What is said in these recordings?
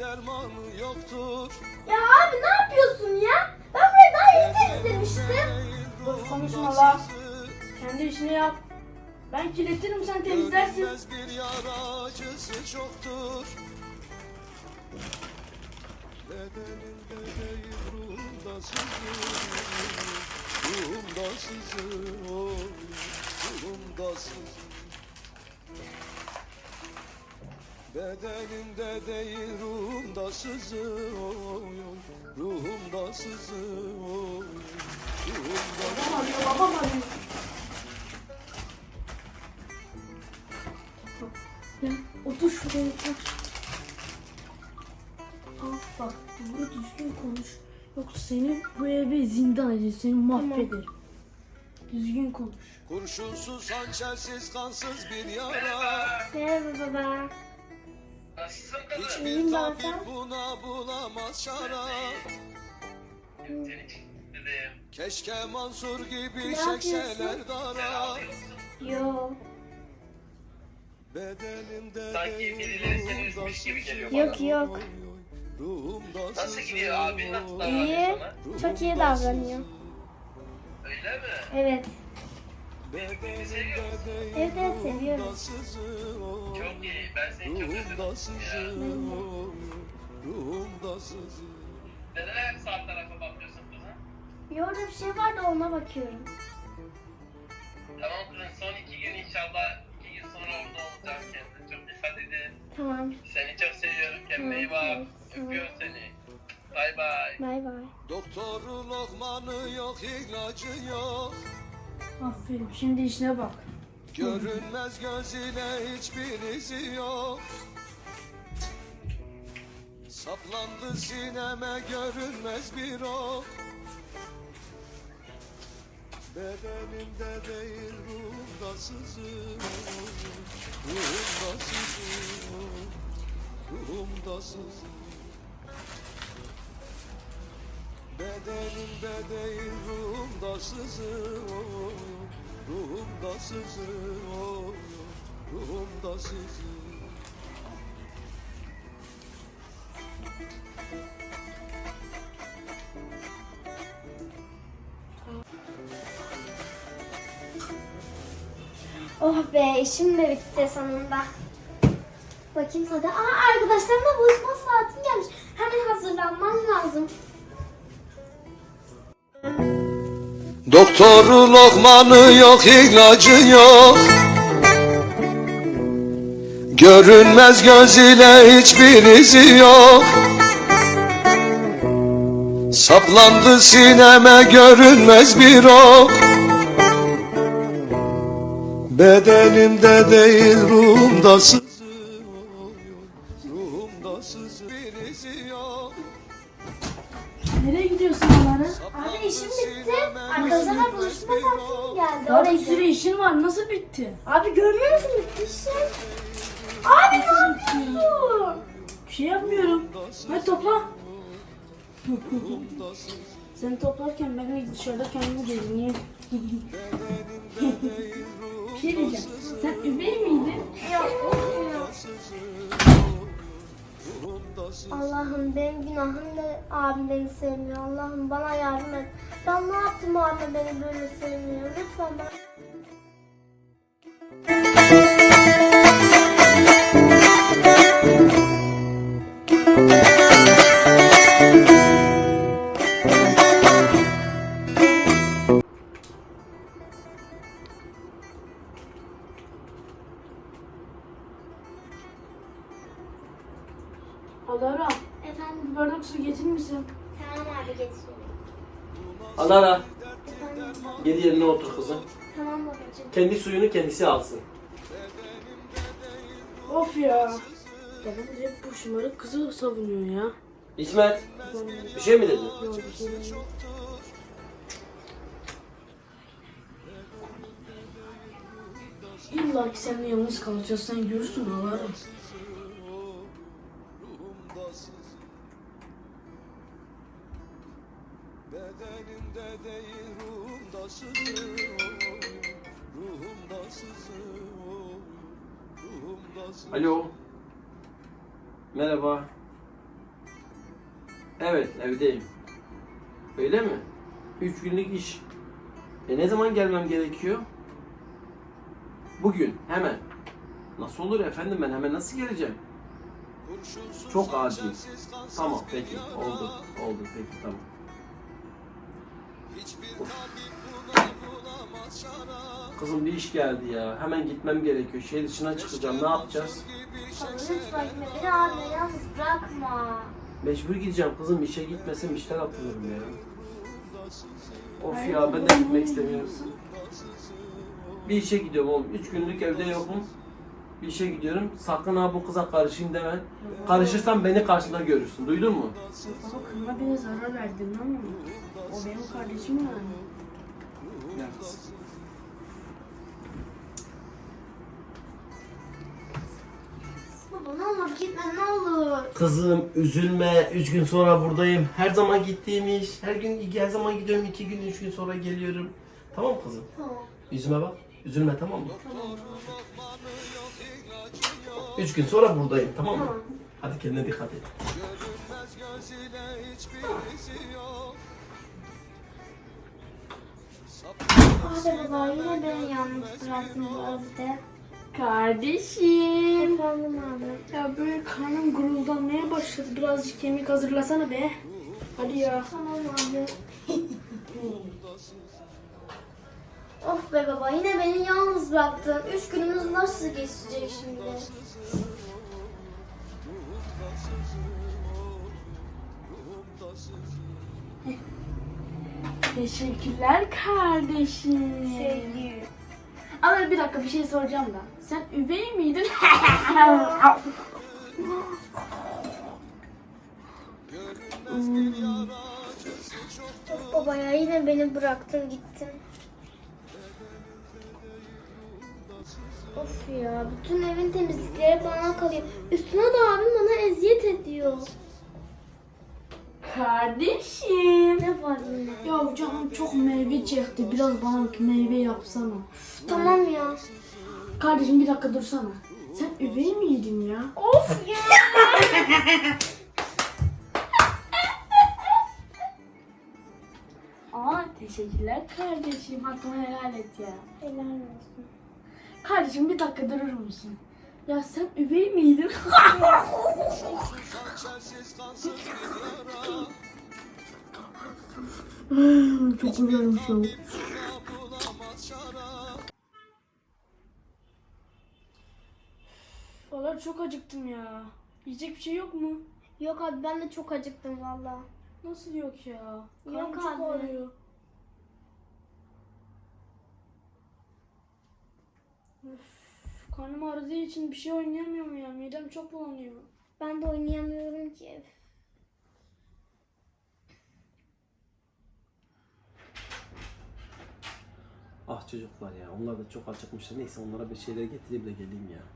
dermanı yoktur. Ya abi ne yapıyorsun ya? Ben burayı daha yeni temizlemiştim. Boş konuşma la. Kendi işini yap. Ben kirletirim, sen temizlersin. Görünmez bir yara acısı çoktur. Bedenimde değil ruhumda sızır. Ruhumda sızır, oy, ruhumda sızır. Bedenimde değil ruhumda sızır, oy, oy, ruhumda sızır, oy, ruhumda sızır. Babam arıyor, babam arıyor. Ya, otur şuraya otur. Bak doğru düzgün konuş. Yoksa seni bu eve zindan eder, seni mahveder. Düzgün konuş. Kurşunsuz, hançersiz, kansız bir yara. Merhaba baba. Nasılsın kızım? Hiçbir İyiyim ben, tabip sen? buna bulamaz şara. Seni çok istedim. Keşke Mansur gibi Ne çekseler yapıyorsun? dara. Yo. Bedenimde Sanki değil birileri seni ruhumda üzmüş gibi geliyor sızır, Yok, yok. oy, oy, ruhumda Nasıl sızır, gidiyor abi? Nasıl oy, davranıyor İyi. sana? Çok iyi davranıyor. Öyle mi? Evet. bedenimde değil Evet, evet, seviyoruz. ruhumda sızır, oy, Çok iyi. Ben seni çok özledim. ruhumda sızır, Ya. oy, ruhumda sızır. Neden hep sağ tarafa bakıyorsun kızım? Bir orada bir şey var da ona bakıyorum. Tamam kızım, son 2 gün inşallah 2 gün sonra orada olacağım. Kendine çok dikkat edin. Tamam. Seni çok seviyorum. Kendine iyi bak. Tamam. Öpüyorum seni. Bay bay. Bay bay. Doktoru lokmanı yok, ilacı yok. Aferin, şimdi işine bak. Görünmez göz ile hiçbir izi yok. Saplandı sineme görünmez bir ok. Bedenimde değil ruhumda sızır. Ruhumda sızır. Ruhumda sızır. Bedenimde değil ruhumda sızır. Ruhumda sızır. Ruhumda sızır. Oh be, işim de bitti sonunda. Bakayım sana. Arkadaşlarımla buluşma saatim gelmiş. Hemen hazırlanmam lazım. Doktoru lokmanı yok, ilacı yok. Görünmez göz ile hiçbir izi yok. Saplandı sineme görünmez bir ok. Bedenimde değil ruhumda sızır. Ruhumda sızır, bir izi yok. Nereye gidiyorsun Alara? Abi işim bitti. Arkadaşlarla buluşma saatim geldi. Daha Oraya bir sürü gidiyorum. işin var, nasıl bitti? Abi görmüyor musun bitti işim? Abi ne yapıyorsun? Bir şey yapmıyorum. Hadi topla. Ruhumda sızır. Sen toplarken ben de dışarıda kendimi gezineyim. Bir şey diyeceğim. Sen üvey miydin? Allah'ım benim günahım ne? Abim beni sevmiyor. Allah'ım bana yardım et. Ben ne yaptım abim beni böyle sevmiyor? Lütfen bana... Alara, Efendim? bir bardak su getirir misin? Tamam abi getiriyorum. Alara, Efendim? geri yerine otur kızım. Tamam babacığım. Kendi suyunu kendisi alsın. Of ya. Babam hep bu şımarık kızı savunuyor ya. İsmet, bir şey mi dedin? Yok bir şey değil. İlla ki seninle yalnız kalacağız, sen görürsün Alara. Bedenimde değil ruhumda sızır. Ruhumda sızır. Ruhumda sızır. Alo. Merhaba. Evet, evdeyim. Öyle mi? 3 günlük iş. Ne zaman gelmem gerekiyor? Bugün, hemen. Nasıl olur efendim, ben hemen nasıl geleceğim? Çok acil. Tamam, peki. Oldu. Oldu, peki, tamam. Of. Kızım bir iş geldi ya. Hemen gitmem gerekiyor. Şehir dışına çıkacağım. Ne yapacağız? Baba lütfen gitme. Beni abime yalnız bırakma. Mecbur gideceğim kızım. İşe gitmesem işten atılırım ya. Of ya, ben de gitmek istemiyorum. Bir işe gidiyorum oğlum. 3 günlük evde yokum. Bir işe gidiyorum. Sakın ha bu kıza karışayım deme. Karışırsan beni karşında görürsün. Duydun mu? Baba kızıma bile zarar verdin ama o benim kardeşim yani. Gel kızım. Baba ne olur gitme ne olur. Kızım üzülme. 3 gün sonra buradayım. Her zaman gittiğim iş. Her zaman gidiyorum. 2 gün 3 gün sonra geliyorum. Tamam mı kızım? Tamam. Yüzüme bak. Üzülme, tamam mı? 3 gün sonra buradayım, tamam mı? Tamam. Hadi kendine dikkat et. Hadi baba yine beni yalnız bıraktın bu evde. Kardeşim. Efendim abi. Ya böyle karnım guruldamaya başladı. Birazcık kemik hazırlasana be. Hadi ya. Tamam abi. Of be baba yine beni yalnız bıraktın. 3 günümüz nasıl geçecek şimdi? Teşekkürler kardeşim. Sevgilim. Ama bir dakika bir şey soracağım da. Sen üvey miydin? Of baba ya yine beni bıraktın gittin. Of ya bütün evin temizlikleri bana kalıyor. Üstüne de abim bana eziyet ediyor. Kardeşim. Ne var yine? Ya canım çok meyve çekti. Biraz bana meyve yapsana. Tamam ya. Kardeşim bir dakika dursana. Sen üvey miydin ya? Of ya. Aa teşekkürler kardeşim. Hakkını helal et ya. Helal olsun. Kardeşim bir dakika durur musun? Ya sen üvey miydin? Çok güzelmiş o. Valla çok acıktım ya. Yiyecek bir şey yok mu? Yok abi ben de çok acıktım valla. Nasıl yok ya? Karnım Yok çok abi. ağrıyor. Üf, karnım ağrıdığı için bir şey oynayamıyorum ya. Midem çok bulanıyor. Ben de oynayamıyorum ki. Ah çocuklar ya, onlar da çok acıkmışlar. Neyse onlara bir şeyler getireyim de geleyim ya.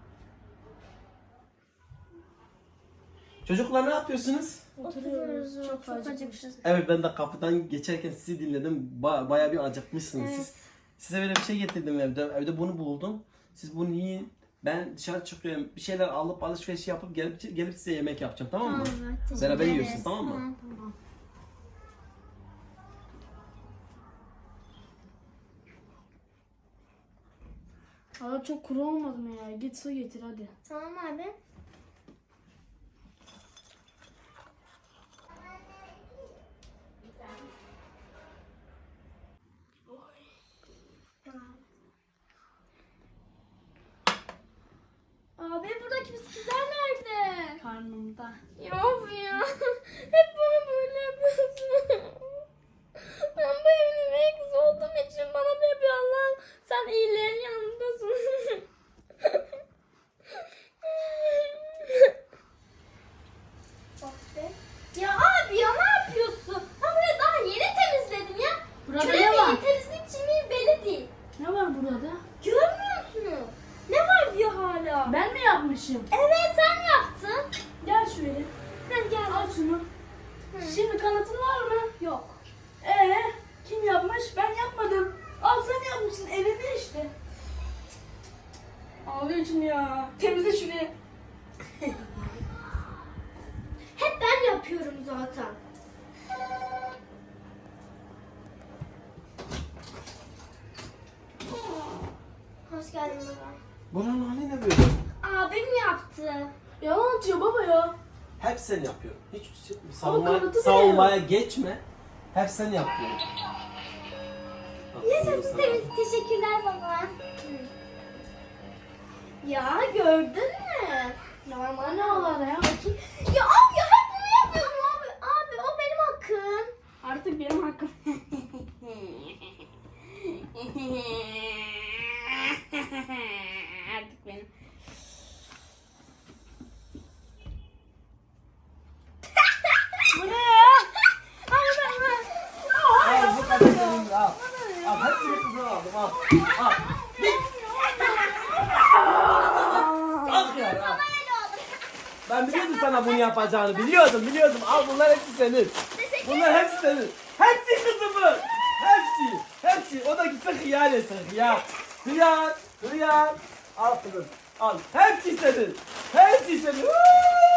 Çocuklar ne yapıyorsunuz? Oturuyoruz. Çok acıkmışız. acıkmışız. Evet, ben de kapıdan geçerken sizi dinledim. Bayağı bir acıkmışsınız siz. Size böyle bir şey getirdim evde. Evde bunu buldum. Siz bunu yiyin. Ben dışarı çıkıyorum. Bir şeyler alıp alışveriş yapıp gelip size yemek yapacağım, tamam mı? Tamam, teşekkür Beraber ederiz. yiyorsunuz, tamam mı? Tamam. Hava çok kuru olmadı mı ya? Git su getir hadi. Tamam abi. Abi buradaki bisküviler nerede? Karnımda. Yok ya. Hep bana böyle yapıyorsun. Ben bu evin üvey kızı olduğum için bana da yapıyor Allah'ım. Sen iyilerin yanındasın. Bak be. Ya abi ya ne yapıyorsun? Ben burayı daha yeni temizledim ya. Burada Köle ne var? miyim, temizlikçi miyim belli değil. Ne var burada? Görmüyor musun? Ne var diyor hala. Ben mi yapmışım? Evet sen yaptın. Gel şöyle. Hadi gel. Al şunu. Şimdi kanıtın var mı? Yok. Kim yapmış? Ben yapmadım. Al sen yapmışsın. Evinde işte. Ağlıyorsun ya. Temizle şurayı. Hep ben yapıyorum zaten. Buranın hali ne böyle? Abim yaptı. Yalan atıyor baba ya. Hep sen yapıyorsun. Hiç kanıtı bile savunmaya geçme. Hep sen yapıyorsun. Aferin sana. Teşekkürler baba. Ya gördün mü? Normal ne olur ya? Ya abi ya hep bunu yapıyorum abi. Abi o benim hakkım. Artık benim hakkım. Artık benim. Bu ne ya? Al bu kadar senin al. Al hepsini kızına aldım al. Al. Git. Al ya. Al. Ben biliyordum sana bunu yapacağını. Biliyordum. Al bunlar hepsi senin. Bunlar hepsi senin. Hepsi kızımın. Hepsi. O da gitsin hıyar yesin. Hıyar. Al kızım. Al. Hepsi senin. Hepsi senin.